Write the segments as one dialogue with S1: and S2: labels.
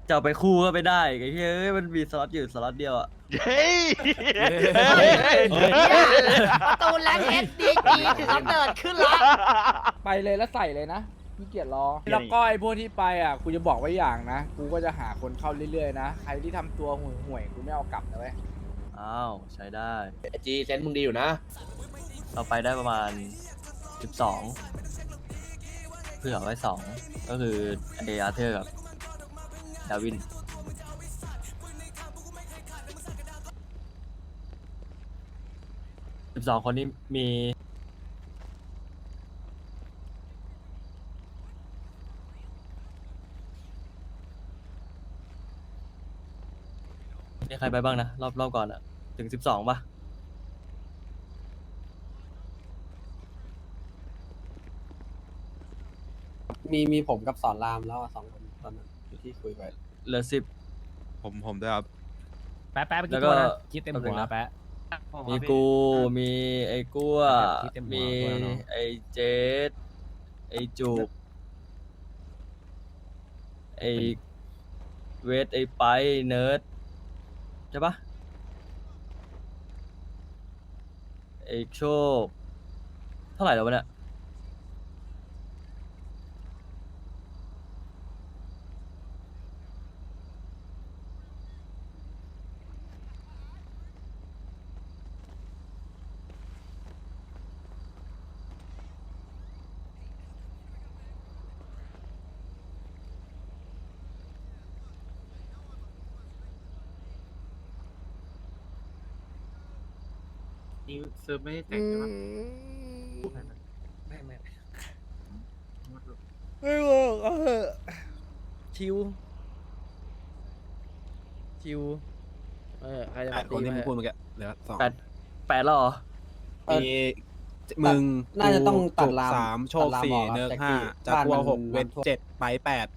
S1: จะเอาไปคู่ก็ไม่ได้ไอ้เฮ้ยมันมีสล็อตอยู่สล็อตเดียวอ่ะ
S2: เฮ้ย
S3: ประตูแรงเอสดีจีถึงกำเนิดขึ้นละ
S4: ไปเลยแล้วใส่เลยนะพี่เกียรรอแล้วก็ไอ้พวกที่ไปอ่ะกูจะบอกไว้อย่างนะกูก็จะหาคนเข้าเรื่อยๆนะใครที่ทำตัวห่วยๆกูไม่เอากลับนะเว้ย
S1: อ้าวใช้ได้
S5: จีเซนมึงดีอยู่นะ
S1: เราไปได้ประมาณ12เผื่อไว้2ก็คือไออาร์เธอร์กับดาวิน12 คนนี้มีใครไปบ้างนะรอบก่อนอะถึง12ป่ะ
S6: มีผมกับสอนรามแล้วอะ2 คนตอนนั้นที่คุยไป
S1: เหลือ10
S7: ผมด้วยครับ
S8: แป๊ะแป๊ะไป
S1: แล้
S8: กี่
S1: วก็
S8: ตัวนะคิดเต็มหั
S1: แป๊บนึ
S8: ว
S1: งนะ
S8: แป๊ะ
S1: มีกูมีไอ้กั้ว
S8: คิดเต็มหัว
S1: มี
S8: ด้วยเนอะ
S1: ไอ้เจสไอ้จูบไอ้เวทไอ้ไปเนิร์ดใช่ปะไอ้โชคเท่าไหร่แล้ววะเนี่ย
S5: นี่เซิร์ฟไม่ได้แต่งใช่ปะ
S4: ไม่บอกชิวใครจะมา
S6: คนที่มึงพูด
S4: ตี
S6: เมื่อกี้เหลือ2
S1: 8แล้วเหรอ
S6: มีมึง
S9: น่าจะต้องตัด
S6: จุก
S9: ราม
S6: 3โชค
S9: ตัดรามออก
S6: 4เนิร์ก
S9: ครับ
S6: 5
S9: แต่
S6: จาก
S9: ที่
S6: กัว
S9: บ้านมัน
S6: 6เวท
S9: น้ำท่วม
S6: 7ไป8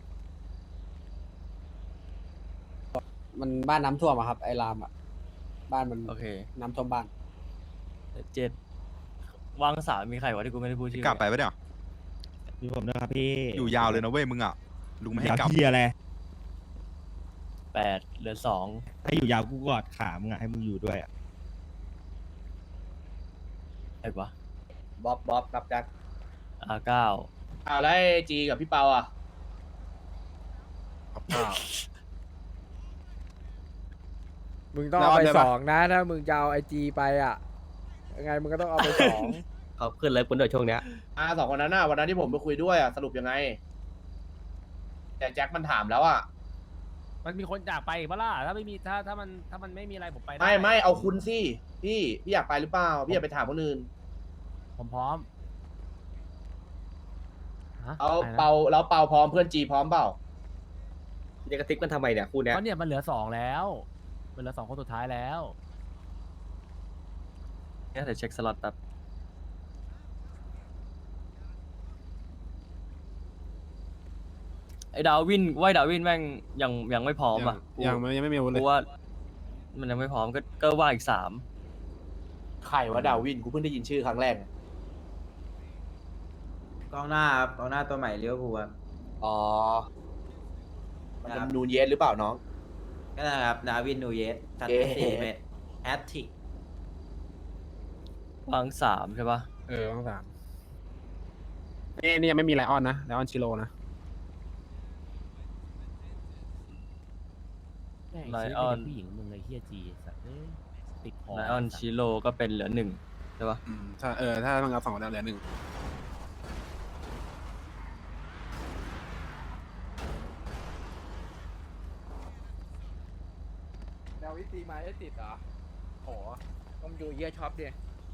S9: มันบ้านน้ำท่วมอะครับไอ้รามอะบ้านมัน
S1: โอเค
S9: น้ำท่วมบ้าน
S1: 7วางสามมีใครวะที่กูไม่ได้พูดชื่อก
S7: ลับไปปะเนี่ย
S8: มีผมนะครับพี่
S7: อยู่ยาวเลยนะเว้ยมึงอ่ะลุงไม่ให้กลับ
S8: พี่อะไร
S1: 8เหลือ2
S8: ให้อยู่ยาวกูกอดขามึงอะให้มึงอยู่ด้วยอะ
S1: ไอ้วะ
S5: บ๊อบกับแจ็ค
S1: R9
S5: แล้วไอ้จีกับพี่เปาอ่ะ
S4: มึงต้องเอาไป2นะถ้ามึงจะเอาไอจีไปอ่ะยังไงมึงก็ต้องเอาไป2
S5: เขาขึ้นเลยคุณเดี๋ยวช่วงเนี้ย2 คนนั้นน่ะวันนั้นที่ผมไปคุยด้วยอ่ะสรุปยังไง แต่แจ็คมันถามแล้วอ่ะ
S8: มันมีคนอยากไปอีกปะล่ะถ้าไม่มีถ้ามันไม่มีอะไรผมไปได้
S5: ไม่เอาคุณสิพี่อยากไปหรือเปล่าพี่อยากไปถามคนอื่น
S8: ผมพร้อมฮะ
S5: เอา
S8: อะไรนะ
S5: เปาแล้วเปาพร้อมเพื่อนจีพร้อมเปล่าจะกระติกมันทำไมเนี่ยคู่เนี้ย
S8: เพราะเนี่ยมันเหลือ2แล้วมันเหลือ2 คนสุดท้ายแล้ว
S1: เนี่ยเดี๋ยวเช็คสล็อตแป๊บไอ้ดาวินดาวินแม่งยังไม่พร้อมอ่ะ
S6: ยังไม่มีอาวุธเล
S1: กู
S6: ย
S1: ว่ามันยังไม่พร้อมก็ว่าอีก
S5: ใครวะดาวินกูเพิ่งได้ยินชื่อครั้งแรก
S9: กองหน้าครับกองหน้าตัวใหม่เลี้ยวภูครับ
S5: อ๋อมันเป็นนูนเยสหรือเปล่าน้อง
S9: ก็นะครับดาวินนูเยสทัด
S5: เอ๊ะ
S9: 4 เมตรแฮตติก
S1: 3วาง3ใช่ปะ
S6: ต้อง3นี่ยังไม่มีไลออนนะไลออนชิโร่นะ
S8: แม่งซื้อเป็นผู้หญิงมึงไอ้เฮียจีสัตว์เอ้ยติดคอ
S1: ไลออนชิโร่ก็เป็นเหลือ1ใช่ปะ
S6: ถ้ามึงเอา2คนนั้นเหลือ1
S4: แนววิตีไม้ได้ติดเหรอโหต้องดูเยี่ยช็อปดิ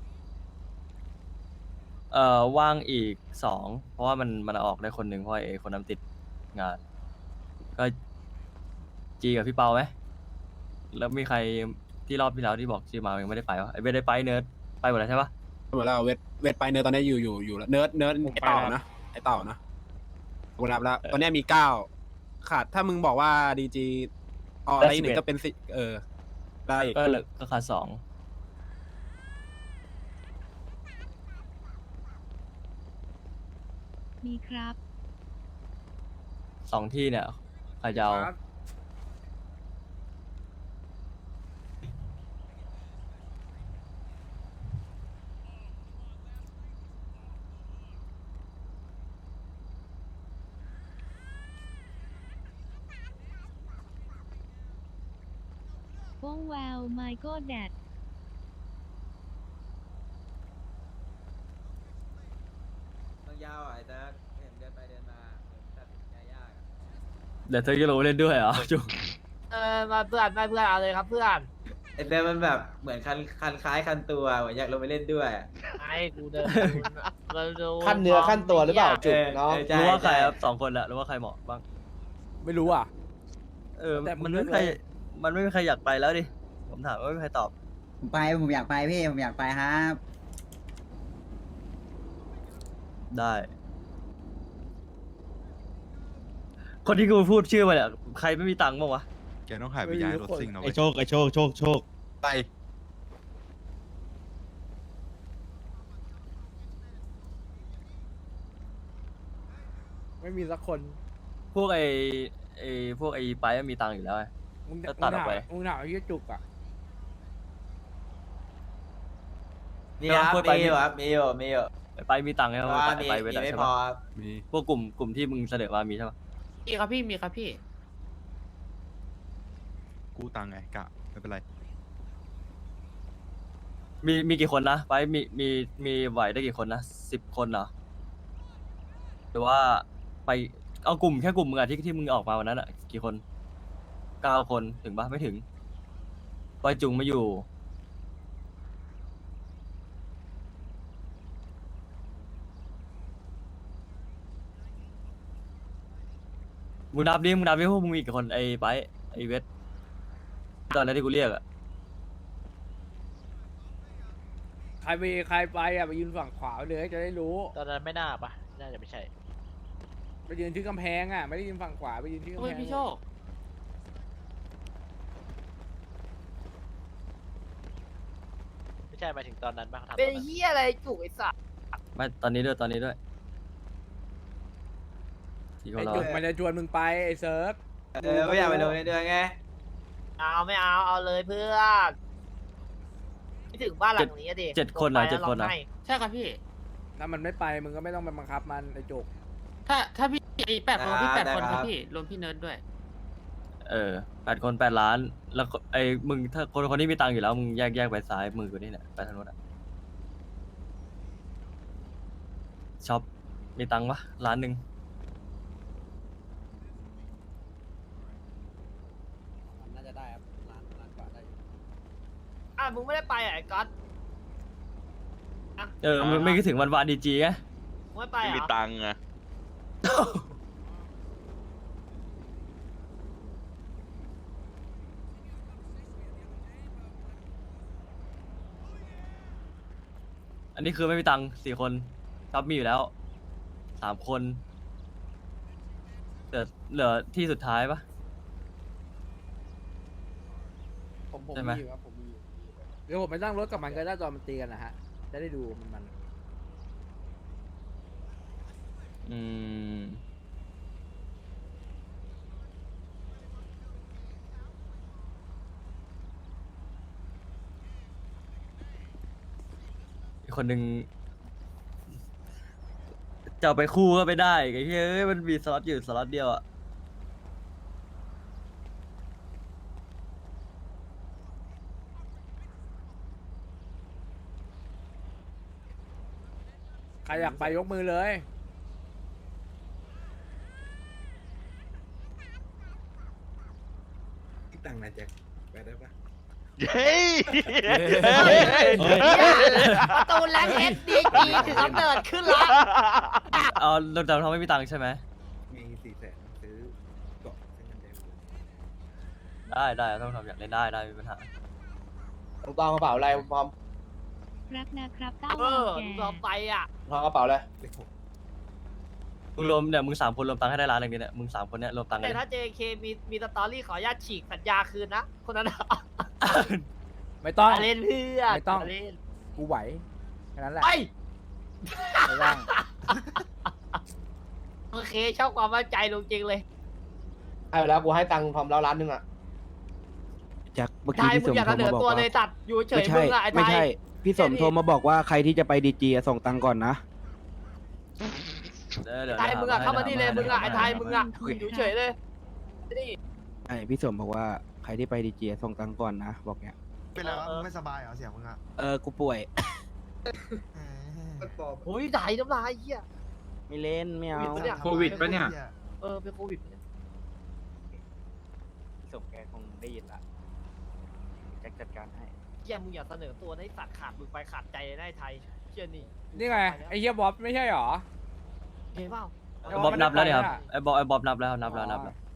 S1: ว่างอีก2เพราะว่ามันออกได้คนหนึ่งเพราะไอ้คนนั้นติดงาน ก็จีกับพี่เปาไหมแล้วมีใครที่รอบที่แล้วที่บอกชื่อมายังไม่ได้ไปวะไอ้ไม่ได้ไปเนิร์ดไปหมดแล้วใช่ปะ
S6: หมดแล้วเวทไปเนิร์ดตอนนี้อยู่แล้วเนิร์ดไอเต่านะกูนับแล้วตอนนี้มี9ขาดถ้ามึงบอกว่าดีจีอะไร1ก็เป็น10ได้อีก
S1: ก็ขาด2
S10: มีครับ
S1: 2ที่เนี่ยใครจะเอา
S4: ครับ
S2: โป้งแววไมโก้แดด
S9: ต้องยาวไอ้เติร์กเห็นเดินไปเดินมาตัดสินใจยาก
S1: เดี๋ยวเธอจะลงเล่นด้วยเหรอจุก
S3: มาเพื่อนมาเพื่อนเอาเลยครับเพื่อน
S9: ไอ้เติร์กมันแบบเหมือนคันคล้ายคันตัวเหมือนอยากลงไปเล่นด้วย
S3: ไอ้กูเดินมาดู
S5: ขั้นเนื้อขั้นตัวหรือเปล่าจุกเนาะ
S9: ใช่
S1: รู้ว่าใคร
S9: ช่
S1: ครับ2 คนละรู้ว่าใครเหมาะบ้าง
S4: ไม่รู้อ่ะ แต่มึ
S1: มัน
S4: ง
S1: ไม่มีใคร
S4: เลือกเลย
S1: มันไม่มีใครอยากไปแล้วดิผมถามว่าไม่มีใครตอบ
S9: ผมอยากไปพี่ผมอยากไปครับ
S1: ได้ คนที่กูพูดชื่อมาเนี่ยใครไม่มีตังค์บ้างวะ
S7: แกต้องหายไปย้ายรถซิ่งนะ
S6: ไอ
S7: เว้ย
S6: โชคไอโชคโชคโชค
S7: ไป
S4: ไม่มีสักคน
S1: พวกพวกไอ้ไปมันมีตังค์อยู่แล้วไง
S4: มึง
S1: ก็ตัดออกไป
S4: มึงถามไอ้เหี้ยจุกอ่ะ
S9: มีครับ
S1: พูดไป
S9: มีอยู่ครับมีอยู่มีอยู่
S1: ไปมีตังค์ใช่ไหม
S9: ว่ามี
S1: ไปเว
S9: มี
S1: ลา
S9: ไม่
S1: ใช่
S9: พอ
S1: ปะ
S9: ครับ
S6: มี
S1: พวกกลุ่มที่มึงเสนอมามีใช่ปะ
S3: มีครับพี่มีครับพี่
S7: กู้ตังค์ไงกะไม่เป็นไร
S1: มีกี่คนนะไปมีไหวได้กี่คนนะ10 คนเหรอหรือว่าไปเอากลุ่มแค่กลุ่มมึงอะที่มึงออกมาวันนั้นอะกี่คน9 คนถึงปะไม่ถึงปอยจุงไม่อยู่มึงนับดิพวกมึงมีกี่คนไอ้ไปไอ้เวทตอนนั้นที่กูเรียกอะ
S4: ใครไปอ่ะไปยืนฝั่งขวาเลยจะได้รู้
S3: ตอนนั้นไม่น่าปะน่าจะไม่ใช่
S4: ไปยืนที่กำแพงอ่ะไม่ได้ยืนฝั่งขวาไปยืนที่กำ
S3: เฮ้
S4: แพ
S3: ย
S4: ง
S3: พี่โชค
S8: ไม่ใช่มาถึงตอนนั้นบ้างทำ
S3: เป็นเฮียอะไรจุกไอ้สัส
S1: ไม่ตอนนี้ด้วยที่เขา
S4: ไอ้
S1: รอ
S4: จุกมันจะชวนมึงไปไอ้เซิร์ฟ
S9: ไม่อยากไปลงในเดือนไง
S3: ไม่เอาเลยเพื่อนไม่ถึงบ้านหลังนี้อะดิ
S1: 7 คนเหรอ7 คนเหรอ
S3: ใช่ครับพี่
S4: ถ้ามันไม่ไปมึงก็ไม่ต้องไปบังคับมันไอ้จุก
S3: ถ้าพี่8 คนพี่
S9: ได้
S3: 8 คน
S9: ค
S3: ค
S9: รั
S3: รับ บพี่รวมพี่เนิร์ดด้วย
S1: 8 คน8 ล้าน แล้วก็ไอ้มึงถ้าคนที่มีตังค์อยู่แล้วมึงแยกไปซ้ายมือกูนี่แหละไปทางโน้นอะช็อปมีตังค์ปะ1 ล้าน
S9: น่าจะได้ครับล้านกว่าได้อยู่
S3: มึงไม่ได้ไปอ่ะไอ้ก๊อต
S1: มึงไม่คิดถึงวันวานดีจีไง
S3: มึงไม่ไปเหรอ
S10: มีตังค์อะ
S1: อันนี้คือไม่มีตังค์4 คนช็อปมีอยู่แล้ว3 คนเหลือที่สุดท้ายปะ
S4: ผม
S1: ใช่ไหม
S4: มีอยู่ครับผมมีอยู่เดี๋ยวผมไปนั่งรถกับมันก็ได้ตอนมันตีกันนะฮะจะได้ดูมัน
S1: อืมอีกคนหนึ่งจะเอาไปคู่ก็ไม่ได้ไอ้เฮ้ยมันมีสล็อตอยู่สล็อตเดียวอะ
S4: ใครอยากไปยกมือเลย
S6: ตังค์นะแจ็คไปได้ปะ
S10: เฮ้ย
S3: ประตูแรงเอสดีจีถึงกำเนิดขึ้นละ
S1: เอาเราทำไม่มีตังค์ใช่ไหม
S6: มี400,000ซื้อเกาะเส้นเงินแดง
S1: ได้ต้องทำอยากเล่นได้ไม่มีปัญหา
S5: ต้องกระเป๋าอะไรพร้อม
S2: รักนะครับเต้า
S3: เอ
S2: วาว
S3: อ
S2: แก
S3: มึงยอมไปอ่ะ
S5: พร้อมกระเป๋าอะไร
S6: เลข
S1: มึงรวมเนี่ยมึง3 คนรวมตังค์ให้ได้ล้านหนึ่งเนี่ยมึง3 คนเนี่ยรวมตังค์กั
S3: แต่
S1: น
S3: ถ้า JK มีสตอรี่ขออนุญาตฉีกสัญญาคืนนะ คนนั้นอะ
S4: ไม่ต้อง
S3: เล่นเพื่อน
S4: ไม่ต้อง
S3: เล่น
S4: กูไหวแค่นั้นแหละ
S3: ไป
S4: ไม่ต้อง
S3: โอเคชอบความมั่นใจลุงจริงเลย
S5: ให้ไปแล้วกูให้ตังค์พร้อมแล้ว1 ล้านอ่ะ
S9: จากเมื่อ
S3: ไท
S9: กี้
S3: ย
S9: พี่
S3: มึ
S9: ส
S3: ง
S9: ม
S3: อยาก
S9: โท
S3: เส
S9: ร
S3: น
S9: มา
S3: อ
S9: บอก
S3: ตัว
S9: ว่า
S3: เลยตัดอยู่เฉย
S9: ไม่ใช่
S3: มึงอะไอ้ไท
S9: ไม่
S3: ย
S9: ใช่ พี่สมโทรมาบอกว่าใครที่จะไปดีจีส่งตังค์ก่อนนะ
S1: เดี๋ยว
S3: ไทยมึงอะเข้ามานี่เลยมึงอะไอ้ไทยมึงอะ
S2: ขอบคุณ
S3: อยู่
S2: ค่ะ
S3: เฉยเลยนี่
S6: ไอพี่สมบอกว่าใครที่ไปดีเจส่งตังค์ก่อนนะบอกเนี้ย
S7: เป็นไรวะมึงไม่สบายเหรอเสียงมึงอ่ะ
S6: กูป่วย
S3: โอ้ยไหลน้ำลายเหี้ย
S6: ไม่เล่นไม่เอา
S3: โควิดปะเนี่ย เป็นโควิดปะเนี่ย
S6: พี่สมแกคงได้ยินละแจ็คจัดการให้
S3: เหี้ยมึงอย่าเสนอตัวให้สัตว์ขาดมึงไปขาดใจในไทยเชื่อนี่
S4: นี่ไงไอ้เฮียบ๊อบไม่ใช่หรอ
S3: เห็นเปล่า
S4: ไอ้
S1: บ๊อบนับแล้วเนี่ยครับ
S4: ไม่ได้ไปอะ
S1: ไอ้บ๊อบนับแล้วนับแล้ว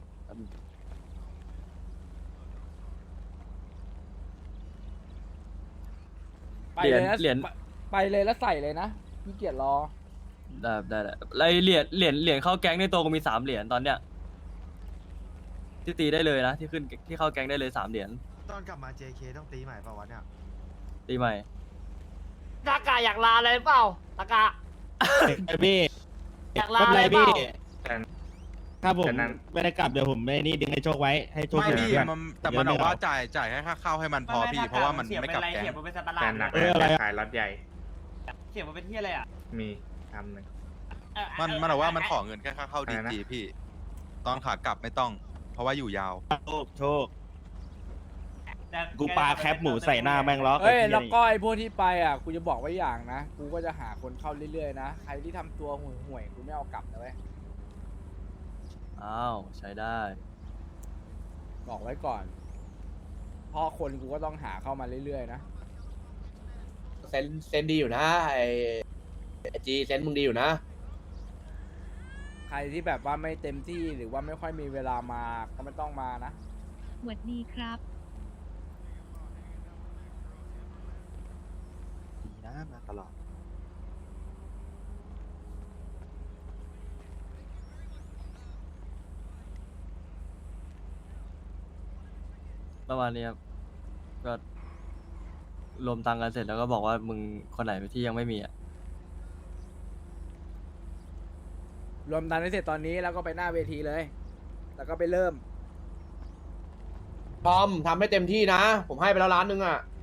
S4: ไปเลยนะ
S1: เหรียญ
S4: ไปเลยแล้วใส่เลยนะพี่เกียรรอ
S1: ได้ไอ้เหรียญเข้าแก๊งในตัวก็มี3 เหรียญตอนเนี้ยที่ตีได้เลยนะที่ขึ้นที่เข้าแก๊งได้เลย3 เหรียญ
S7: ตอนกลับมา JK ต้องตีใหม่เปล่าวะเนี่ย
S1: ตีใหม่
S3: ตากาอยากลาอะไรเปล่าตากา
S10: พี่
S3: อยากลาอะไรเปล่า
S10: ถ้าผมไม่ได้กลับเดี๋ยวผมไม่นี่ดึงให้โชคไว้ให้โชค
S7: ไม่
S10: อยู่
S7: พี่
S10: เพื่อน
S7: มันแต่มันบอกว่าจ่ายให้ค่าข้าวให้มันพอพี่ เพราะว่ามันไม่กลับแก๊ง
S10: แต่หนักอะไรขายรถใหญ่
S3: เสียงมันเป็นที่อะไรอ่ะ
S10: มีทำหนึ่ง
S7: มันบอกว่ามันขอเงินแค่ค่าเข้าดีจีพี่ ตอนขากลับไม่ต้อง เพราะว่าอยู่ยาว
S10: โชคกูปาแคปหมูใส่หน้าแม่งล้อ
S4: เอ้ยแล้วก็ไอ้พวกที่ไปอ่ะกูจะบอกไว้อย่างนะกูก็จะหาคนเข้าเรื่อยๆนะใครที่ทำตัวห่วยๆกูไม่เอากลับนะเว้ย
S1: อ้าวใช้ได้
S4: บอกไว้ก่อนเพราะคนกูก็ต้องหาเข้ามาเรื่อยๆนะ
S5: เซนดีอยู่นะไอจีเซนมึงดีอยู่นะ
S4: ใครที่แบบว่าไม่เต็มที่หรือว่าไม่ค่อยมีเวลามาก็ไม่ต้องมานะ
S2: หวัดดีครับ
S6: ดีนะมาตลอด
S1: ประมาณนี้ครับก็รวมตังค์กันเสร็จแล้วก็บอกว่ามึงคนไหนที่ยังไม่มีอ่ะ
S4: รวมตันให้เสร็จตอนนี้แล้วก็ไปหน้าเวทีเลย แล้วก็ไปเริ่ม
S5: ทอมทำให้เต็มที่นะ ผมให้ไปแล้ว1,000,000อ่ะ